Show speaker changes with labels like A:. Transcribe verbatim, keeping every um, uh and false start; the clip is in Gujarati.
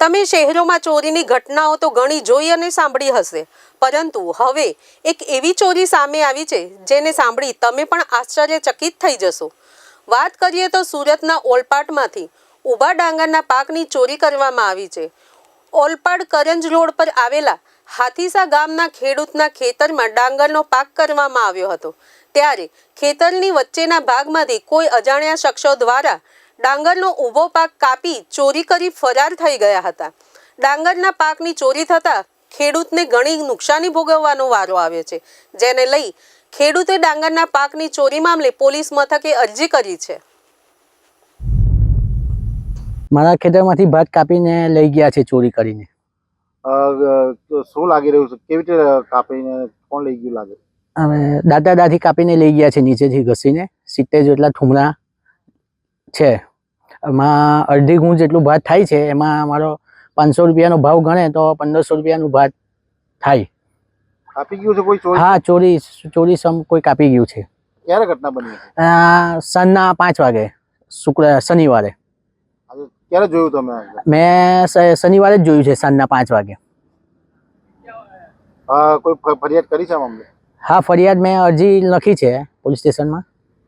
A: તમે શહેરોમાં ચોરીની ઘટનાઓ તો ઘણી જોઈ અને સાંભળી હશે, પરંતુ હવે એક એવી ચોરી સામે આવી છે જેને સાંભળી તમે પણ આશ્ચર્યચકિત થઈ જશો। વાત કરીએ તો સુરતના ઓલપાડમાંથી ઊભા ડાંગરના પાકની ચોરી કરવામાં આવી છે। ઓલપાડ કરંજ રોડ પર આવેલા હાથીસા ગામના ખેડૂતના ખેતરમાં ડાંગરનો પાક કરવામાં આવ્યો હતો, ત્યારે ખેતરની વચ્ચેના ભાગમાંથી કોઈ અજાણ્યા શખ્સો દ્વારા ડાંગરનો ઊભો પાક કાપી ચોરી કરી ફરાર થઈ ગયા હતા। ડાંગરના પાકની ચોરી થતાં ખેડૂતને ઘણી નુકસાની ભોગવવાનો વારો આવ્યો છે, જેને લઈ ખેડૂતે ડાંગરના પાકની ચોરી મામલે પોલીસ મથકે અરજી કરી છે।
B: મારા ખેતરમાંથી ભાત કાપીને લઈ ગયા છે ચોરી કરીને।
C: શું લાગી રહ્યું છે? કેવી રીતે કાપીને કોણ લઈ ગયું લાગે?
B: હવે દાદા દાદી કાપીને લઈ ગયા છે, નીચેથી ઘસીને સિત્તેર જેટલા ઠુમરા છે। એમાં અડધી ગુણ જેટલું ભાત થાય છે, એમાં મારો પાંચસો રૂપિયાનો ભાવ ગણે તો પંદરસો રૂપિયાનું ભાત થાય।
C: કાપી ગયું છે કોઈ ચોરી?
B: હા, ચોરી ચોરી સમ કોઈ કાપી ગયું છે।
C: ક્યારે ઘટના બની?
B: સાંજના પાંચ વાગે શુક્ર શનિવારે।
C: ક્યારે જોયું તમે?
B: મેં શનિવારે જ જોયું છે, સાંજના પાંચ વાગે।
C: કોઈ ફરિયાદ કરી છે મામલે?
B: હા, ફરિયાદ મેં અરજી લખી છે પોલીસ સ્ટેશનમાં।